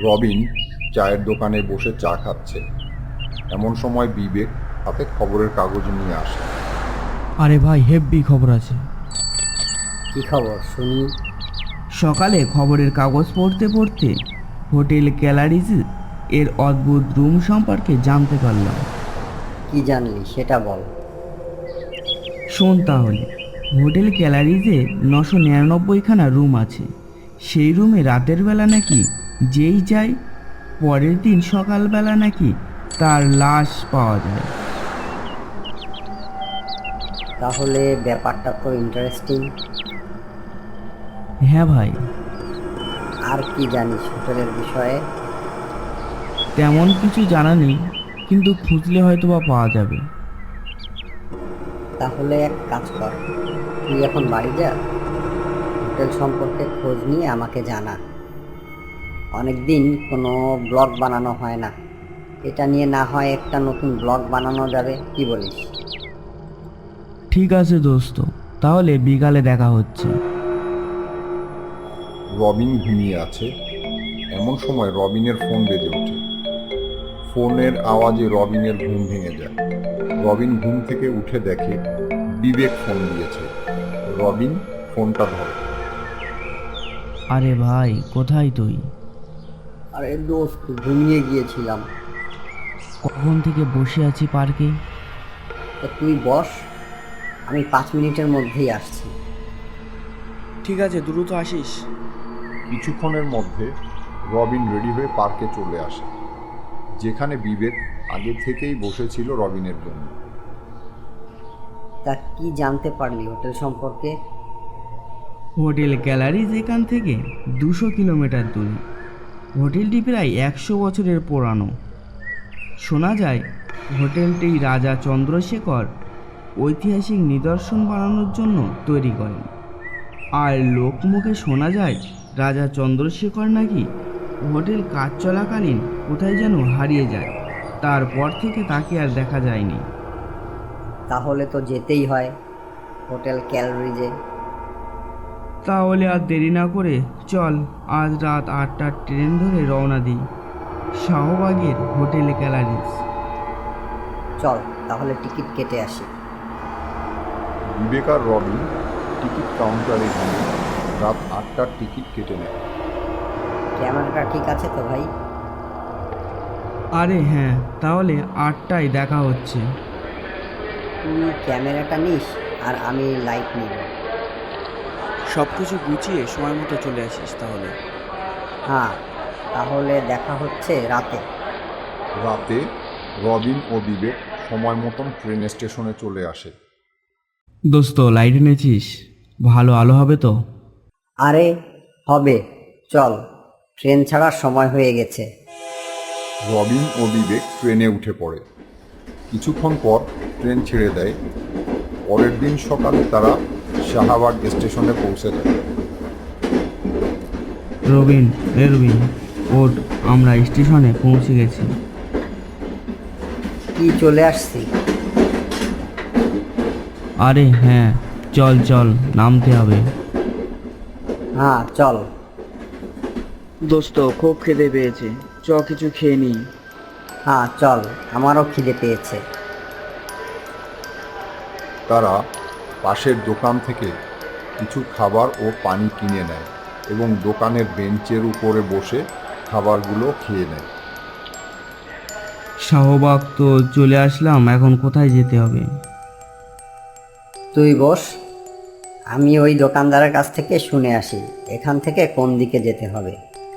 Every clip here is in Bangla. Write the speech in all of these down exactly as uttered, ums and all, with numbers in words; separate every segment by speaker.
Speaker 1: রবিন চায়ের দোকানে বসে চা খাচ্ছে। এমন সময় বিবেক হাতে খবরের কাগজ নিয়ে আসে।
Speaker 2: আরে ভাই, হেব্বি খবর আছে।
Speaker 3: কি খবর শুনি?
Speaker 2: সকালে খবরের কাগজ পড়তে পড়তে হোটেল ক্যালারিজ এর অদ্ভুত রুম সম্পর্কে জানতে পারলাম।
Speaker 3: কি জানলি সেটা বল।
Speaker 2: শোন তাহলে, হোটেল ক্যালারিজে নশো নিরানব্বইখানা রুম আছে। সেই রুমে রাতের বেলা নাকি যেই যায় পরের দিন সকালবেলা নাকি তার লাশ পাওয়া যায়।
Speaker 3: তাহলে ব্যাপারটা তো ইন্টারেস্টিং।
Speaker 2: হ্যাঁ ভাই।
Speaker 3: আর কি জানিস হোটেলের বিষয়ে?
Speaker 2: তেমন কিছু জানা নেই, কিন্তু খুঁজলে হয়তো বা পাওয়া যাবে।
Speaker 3: তাহলে এক কাজ কর, তুই এখন বাড়ি যা, হোটেল সম্পর্কে খোঁজ নিয়ে আমাকে জানা। অনেকদিন কোনো ব্লগ বানানো হয় না, এটা নিয়ে না হয় একটা নতুন ব্লগ বানানো যাবে, কি বলিস?
Speaker 2: ঠিক আছে দোস্ত, তাহলে বিকালে দেখা হচ্ছে।
Speaker 1: রবিন ঘুমিয়ে আছে। এমন সময় রবিনের ফোন বেজে ওঠে। ফোনের আওয়াজে রবিনের ঘুম ভেঙে যায়। রবিন ঘুম থেকে উঠে দেখে বিবেক ফোন দিয়েছে। রবিন ফোনটা ধরে।
Speaker 2: আরে ভাই, কোথায় তুই?
Speaker 3: আরে দোস্ত, ঘুমিয়ে গিয়েছিলাম।
Speaker 2: কখন থেকে বসে আছি পার্কে।
Speaker 3: তা তুই বস, আমি পাঁচ মিনিটের মধ্যেই আসছি।
Speaker 4: ঠিক আছে, দ্রুত আসিস।
Speaker 1: কিছুক্ষণের মধ্যে রবিন রেডি হয়ে পার্কে চলে আসে, যেখানে বিবেক আগে থেকেই বসেছিল রবিনের জন্য।
Speaker 3: তা কি জানতে পারলি হোটেল সম্পর্কে?
Speaker 2: হোটেল গ্যালারিজ এখান থেকে দুশো কিলোমিটার দূরে। হোটেলটি প্রায় একশো বছরের পুরানো। শোনা যায় হোটেলটি রাজা চন্দ্রশেখর ঐতিহাসিক নিদর্শন বানানোর জন্য তৈরি করেন। আর লোকমুখে শোনা যায় রাজা চন্দ্রশেখর নাকি হোটেল কাজ চলাকালীন কোথায় যেন হারিয়ে যায়। তারপর থেকে তাকে আর দেখা যায়নি।
Speaker 3: তাহলে তো যেতেই হয় হোটেল ক্যালরিজে।
Speaker 2: তাহলে আর দেরি না করে চল, আজ রাত আটটার ট্রেন ধরে রওনা দিই শাহবাগের হোটেল গ্যালারিজ।
Speaker 3: চল তাহলে টিকিট কেটে আসি।
Speaker 1: বিবেক আর রবিন টিকিট কাউন্টারে গিয়ে রাত আটটার টিকিট কেটে নেয়।
Speaker 3: ক্যামেরাটা ঠিক আছে তো ভাই?
Speaker 2: আরে হ্যাঁ, তাহলে আটটায় দেখা হচ্ছে।
Speaker 3: তুই ক্যামেরাটা নিস আর আমি লাইট নিব।
Speaker 4: সব কিছু গুছিয়ে সময় মতো চলে আসিস তাহলে।
Speaker 3: হ্যাঁ, তাহলে দেখা হচ্ছে রাতে।
Speaker 1: রাতে রবিন ও বিবেক সময় মতন ট্রেন স্টেশনে চলে আসে।
Speaker 2: দোস্ত, লাইট এনেছিস? ভালো আলো হবে তো?
Speaker 3: আরে হবে, চল, ট্রেন ছাড়ার সময় হয়ে গেছে।
Speaker 1: রবিন ও বিবেক ট্রেনে উঠে পড়ে। কিছুক্ষণ পর ট্রেন ছেড়ে দেয়। পরের দিন সকালে তারা শাহবাগ স্টেশনে পৌঁছে যায়।
Speaker 2: রবিন, এ রবিন, ওঠ, আমরা স্টেশনে পৌঁছে গেছি।
Speaker 3: কি চলে আসছি?
Speaker 2: আরে হ্যাঁ, চল চল, নামতে হবে।
Speaker 3: হ্যাঁ চল।
Speaker 4: দোস্ত, খুব খিদে পেয়েছে, চ কিছু খেয়ে নিই।
Speaker 3: হ্যাঁ চল, আমারও খিদে পেয়েছে।
Speaker 1: তারা পাশের দোকান থেকে কিছু খাবার ও পানি কিনে নেয় এবং দোকানের বেঞ্চের উপরে বসে খাবারগুলো খেয়ে নেয়।
Speaker 2: শাহবাগ তো চলে আসলাম, এখন কোথায় যেতে হবে?
Speaker 3: তুই বস, আমি ওই দোকানদারের কাছ থেকে শুনে আসি এখান থেকে কোন দিকে যেতে হবে।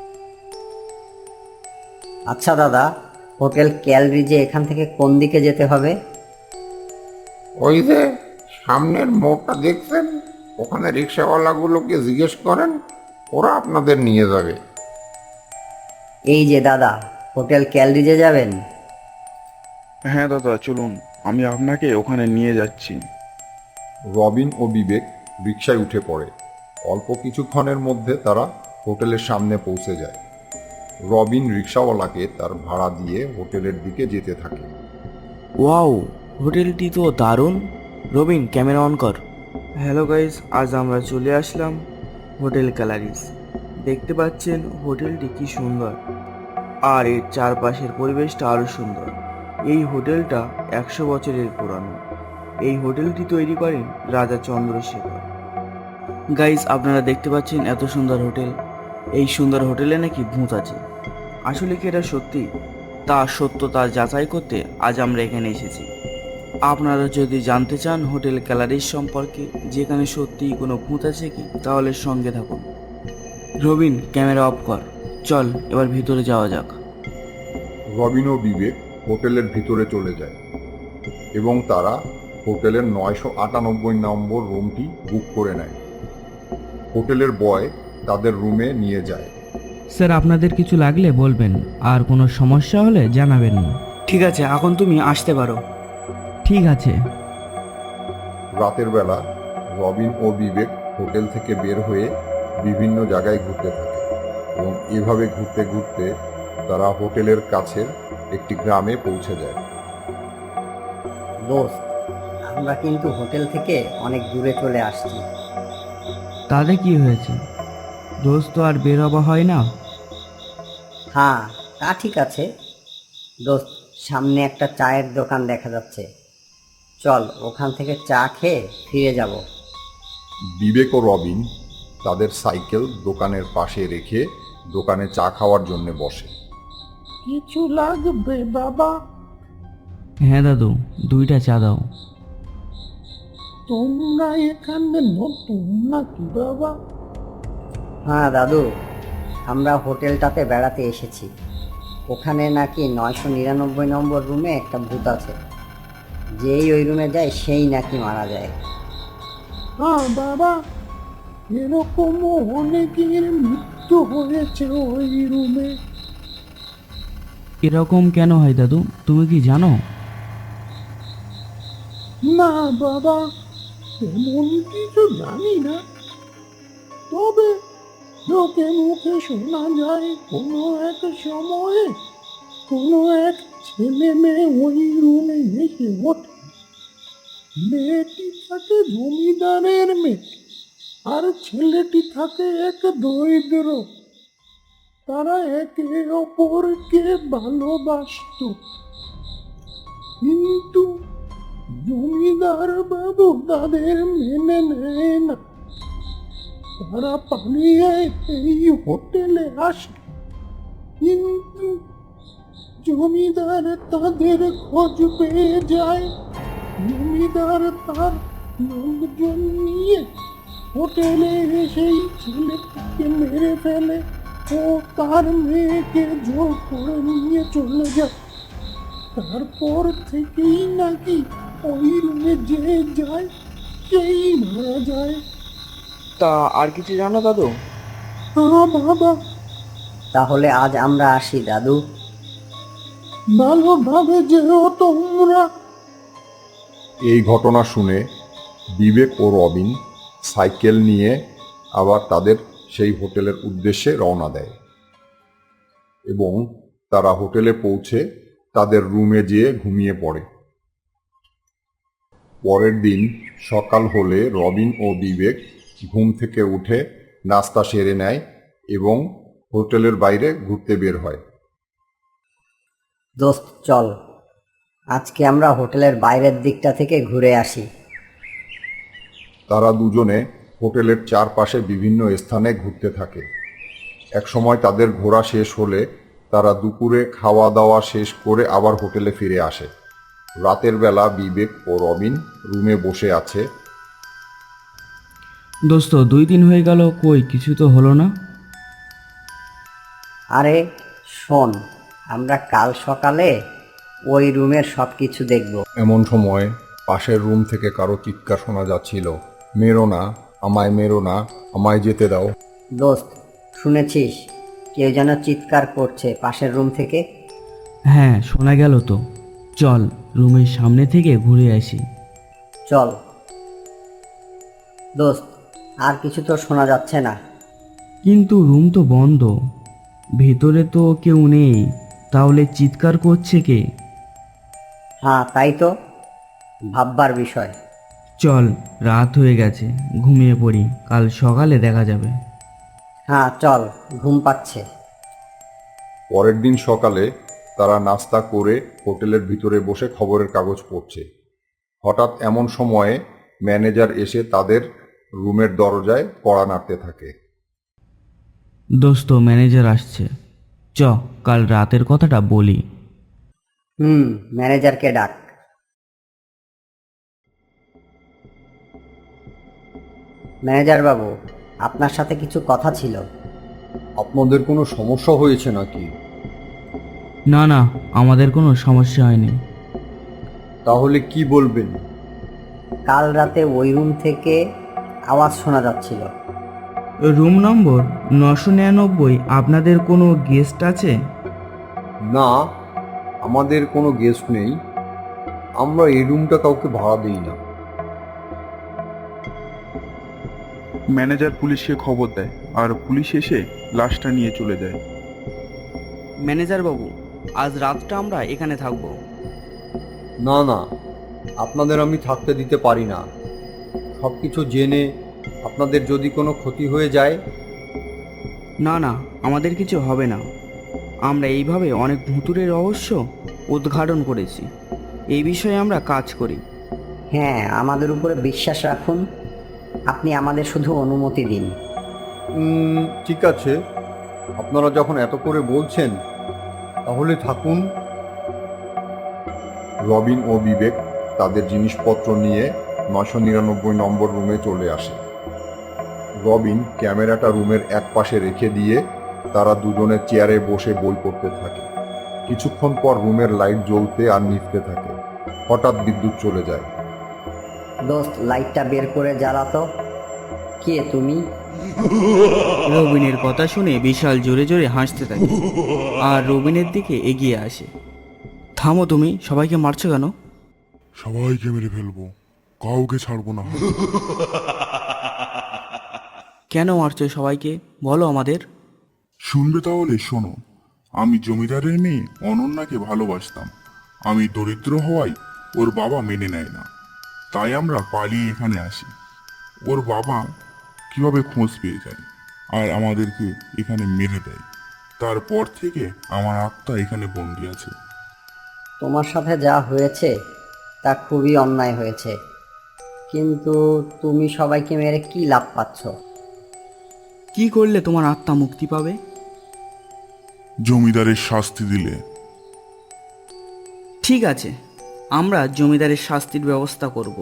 Speaker 3: আচ্ছা দাদা, হোটেল ক্যালরিজে এখান থেকে কোন দিকে যেতে হবে?
Speaker 5: ওই যে সামনের মোড়টা দেখছেন, ওখানে রিক্সাওয়ালাগুলোকে জিজ্ঞেস করেন, ওরা আপনাদের নিয়ে যাবে।
Speaker 3: এই যে দাদা, হোটেল ক্যালরিজে যাবেন?
Speaker 6: হ্যাঁ দাদা, চলুন, আমি আপনাকে ওখানে নিয়ে যাচ্ছি।
Speaker 1: রবিন ও বিবেক রিকশায় উঠে পড়ে। অল্প কিছুক্ষণের মধ্যে তারা হোটেলের সামনে পৌঁছে যায়। রবিন রিকশাওয়ালাকে তার ভাড়া দিয়ে হোটেলের দিকে যেতে থাকে।
Speaker 7: ওয়াও, হোটেলটি তো দারুণ। রবিন, ক্যামেরা অন কর।
Speaker 4: হ্যালো গাইস, আজ আমরা চলে আসলাম হোটেল ক্যালারিজ। দেখতে পাচ্ছেন হোটেলটি কি সুন্দর।
Speaker 7: আর এর চারপাশের পরিবেশটা আরো সুন্দর। এই হোটেলটা একশো বছরের পুরানো। এই হোটেলটি তৈরি করেন রাজা চন্দ্রশেখর। গাইস, আপনারা দেখতে পাচ্ছেন এত সুন্দর হোটেল। এই সুন্দর হোটেলে নাকি ভূত আছে। আসলে কি এটা সত্যি? তা সত্যতা যাচাই করতে আজ আমরা এখানে এসেছি। আপনারা যদি জানতে চান হোটেল গ্যালারির সম্পর্কে, যেখানে সত্যিই কোনো ভূত আছে কি, তাহলে সঙ্গে থাকুন। রবিন, ক্যামেরা অফ কর। চল এবার ভিতরে যাওয়া যাক।
Speaker 1: রবিন ও বিবেক হোটেলের ভিতরে চলে যায় এবং তারা হোটেলের নয়শো আটানব্বই নম্বর রুমটি বুক করে নেয়। হোটেলের বয় তাদের রুমে নিয়ে যায়।
Speaker 2: স্যার, আপনাদের কিছু লাগলে বলবেন, আর কোনো সমস্যা হলে জানাবেন।
Speaker 7: ঠিক আছে, এখন তুমি আসতে পারো।
Speaker 2: ঠিক আছে।
Speaker 1: রাতের বেলা রবিন ও বিবেক হোটেল থেকে বের হয়ে বিভিন্ন জায়গায় ঘুরতে থাকে এবং এভাবে ঘুরতে ঘুরতে তারা হোটেলের কাছের একটি গ্রামে পৌঁছে যায়।
Speaker 3: দোস্ত, আমরা কিন্তু হোটেল থেকে অনেক দূরে চলে আসছি।
Speaker 2: তাতে কি হয়েছে? রোজ তো আর বের হওয়া হয় না।
Speaker 3: হ্যাঁ, তা ঠিক আছে। দোস্ত, সামনে একটা চায়ের দোকান দেখা যাচ্ছে, চল ওখান থেকে চা খেয়ে ফিরে যাব।
Speaker 1: বিবেক ও রবিন তাদের সাইকেল দোকানের পাশে রেখে দোকানে চা খাওয়ার জন্য বসে।
Speaker 5: কিছু লাগবে বাবা?
Speaker 2: হ্যাঁ দাদু, দুইটা চা দাও।
Speaker 5: তোমরা এখানে নতুন নাকি বাবা?
Speaker 3: হ্যাঁ দাদু, আমরা হোটেলটাতে বেড়াতে এসেছি। ওখানে নাকি নয়শো নিরানব্বই নম্বর রুমে একটা ভূত আছে। যেই ওই রুমে যায় সেই নাকি মারা যায়।
Speaker 5: হ্যাঁ বাবা, এরকমও অনেকের মৃত্যু হয়েছে ওই রুমে।
Speaker 2: এরকম কেন হয় দাদু, তুমি কি জানো?
Speaker 5: না বাবা, এমন কিছু জানি না, তবে লোকে মুখে শোনা যায় কোনো এক সময়ে কোনো এক ছেলে মেয়ে ওই রুমে এসে ওঠে। মেয়েটি থাকে জমিদারের মেয়ে আর ছেলেটি থাকে এক দরিদ্র। তারা একে অপরকে ভালোবাসত, কিন্তু জমিদার বাবু তাদের মেনে নেয় না। তারা পালিয়ে এই হোটেলে আসে, কিন্তু জমিদার তাদের খোঁজ পেয়ে যায়। জমিদার তার লোকজন নিয়ে হোটেলে এসেই ছেলেটিকে মেরে ফেলে ও তার মেয়েকে জোর করে নিয়ে চলে যায়। তারপর থেকেই নাকি ওই রুমে যে যায় সেই মারা যায়।
Speaker 4: তা আর কিছু জানো দাদু?
Speaker 5: হ্যাঁ বাবা,
Speaker 3: তাহলে আজ আমরা আসি দাদু।
Speaker 5: ভালোভাবে যেও তোমরা।
Speaker 1: এই ঘটনা শুনে বিবেক ও রবিন সাইকেল নিয়ে আবার তাদের সেই হোটেলের উদ্দেশ্যে রওনা দেয় এবং তারা হোটেলে পৌঁছে তাদের রুমে যেয়ে ঘুমিয়ে পড়ে। পরের দিন সকাল হলে রবিন ও বিবেক ঘুম থেকে উঠে নাস্তা সেরে নেয় এবং হোটেলের বাইরে ঘুরতে বের হয়।
Speaker 3: দোস্ত চল, আজকে আমরা হোটেলের বাইরের দিকটা থেকে ঘুরে আসি।
Speaker 1: তারা দুজনে হোটেলের চারপাশে বিভিন্ন স্থানে ঘুরতে থাকে। একসময় তাদের ঘোরা শেষ হলে তারা দুপুরে খাওয়া দাওয়া শেষ করে আবার হোটেলে ফিরে আসে। রাতের বেলা বিবেক ও রবিন রুমে বসে আছে।
Speaker 2: দোস্ত, দুই দিন হয়ে গেল, কই কিছু তো হলো না।
Speaker 3: আরে শোন, আমরা কাল সকালে ওই রুমের সব কিছু দেখব।
Speaker 1: এমন সময় পাশের রুম থেকে কারো চিৎকার শোনা যাচ্ছিল, মেরো না, আমায় মেরো না, আমায় যেতে দাও।
Speaker 3: দোস্ত, শুনেছিস কেউ যেন চিৎকার করছে পাশের রুম থেকে?
Speaker 2: হ্যাঁ, শোনা গেল তো। চল রুমের সামনে থেকে ঘুরে আসি।
Speaker 3: চল দোস্ত, আর কিছু তো শোনা যাচ্ছে না।
Speaker 2: কিন্তু রুম তো বন্ধ, ভেতরে তো কেউ নেই, তাহলে চিৎকার করছে কে?
Speaker 3: হ্যাঁ তাই তো, ভাববার বিষয়।
Speaker 2: চল, রাত হয়ে গেছে, ঘুমিয়ে পড়ি, কাল সকালে দেখা যাবে।
Speaker 3: হ্যাঁ চল, ঘুম পাচ্ছে।
Speaker 1: পরের দিন সকালে তারা নাস্তা করে হোটেলের ভিতরে বসে খবরের কাগজ পড়ছে। হঠাৎ এমন সময়ে ম্যানেজার এসে তাদের রুমের দরজায় কড়া নাড়তে থাকে।
Speaker 2: দোস্ত, ম্যানেজার আসছে, চ কাল রাতের কথাটা বলি।
Speaker 3: হুম, ম্যানেজারকে ডাক। ম্যানেজার বাবু, আপনার সাথে কিছু কথা ছিল।
Speaker 8: আপনাদের কোনো সমস্যা হয়েছে নাকি?
Speaker 2: না না, আমাদের কোনো সমস্যা হয়নি।
Speaker 8: তাহলে কি বলবেন?
Speaker 3: কাল রাতে ওই রুম থেকে আওয়াজ শোনা যাচ্ছিল।
Speaker 2: রুম নম্বর নশো নিরানব্বই, আপনাদের কোনো গেস্ট আছে?
Speaker 8: না, আমাদের কোনো গেস্ট নেই। আমরা এই রুমটা কাউকে ভাড়া দিই না।
Speaker 6: ম্যানেজার পুলিশকে খবর দেয় আর পুলিশ এসে লাশটা নিয়ে চলে যায়।
Speaker 7: ম্যানেজার বাবু, আজ রাতটা আমরা এখানে থাকবো।
Speaker 8: না না, আপনাদের আমি থাকতে দিতে পারি না। সব কিছু জেনে আপনাদের যদি কোনো ক্ষতি হয়ে যায়।
Speaker 7: না না, আমাদের কিছু হবে না। আমরা এইভাবে অনেক ভুতুড়ে রহস্য উদ্ঘাটন করেছি। এই বিষয়ে আমরা কাজ করি।
Speaker 3: হ্যাঁ, আমাদের উপরে বিশ্বাস রাখুন। আপনি আমাদের শুধু অনুমতি দিন।
Speaker 8: উম, ঠিক আছে, আপনারা যখন এত করে বলছেন তাহলে থাকুন।
Speaker 1: রবিন ও বিবেক তাদের জিনিসপত্র নিয়ে নশো নিরানব্বই নম্বর রুমে চলে আসে। রবিন ক্যামেরাটা রুমের এক পাশে রেখে দিয়ে তারা দুজনে চেয়ারে বসে বই পড়তে থাকে। কিছুক্ষণ পর রুমের লাইট জ্বলতে আর নিভতে থাকে। হঠাৎ বিদ্যুৎ চলে যায়।
Speaker 3: দোস্ত, লাইটটা বের করে জ্বালাতো। কে তুমি?
Speaker 7: রবিনের কথা শুনে বিশাল জোরে জোরে হাসতে থাকে আর রবিনের দিকে এগিয়ে আসে। থামো, তুমি সবাইকে মারছো কেন?
Speaker 9: সবাইকে মেরে ফেলবো, কাউকে ছাড়বো না।
Speaker 7: কেন মারছো সবাইকে, বলো আমাদের।
Speaker 9: শুনবে তাহলে শোনো। আমি জমিদারের মেয়ে অনন্যাকে ভালোবাসতাম। আমি দরিদ্র হওয়ায় ওর বাবা মেনে নেয় না, তাই আমরা পালিয়ে এখানে আসি। ওর বাবা কিভাবে খোঁজ পেয়ে যায় আর আমাদেরকে এখানে মেরে দেয়। তারপর থেকে আমার আত্মা এখানে বন্দি আছে।
Speaker 3: তোমার সাথে যা হয়েছে তা খুবই অন্যায় হয়েছে, কিন্তু তুমি সবাইকে মেরে কি লাভ পাচ্ছ?
Speaker 7: কি করলে তোমার আত্মা মুক্তি পাবে?
Speaker 9: জমিদারের শাস্তি দিলে।
Speaker 7: ঠিক আছে, আমরা জমিদারের শাস্তির ব্যবস্থা করব।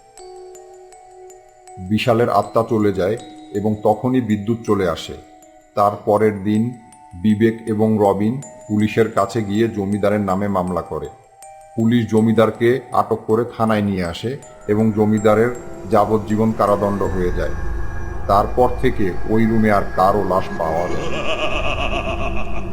Speaker 1: বিশালের আত্মা চলে যায় এবং তখনই বিদ্যুৎ চলে আসে। তার পরের দিন বিবেক এবং রবিন পুলিশের কাছে গিয়ে জমিদারের নামে মামলা করে। পুলিশ জমিদারকে আটক করে থানায় নিয়ে আসে এবং জমিদারের যাবজ্জীবন কারাদণ্ড হয়ে যায়। তারপর থেকে ওই রুমে আর কারো লাশ পাওয়া যায় না।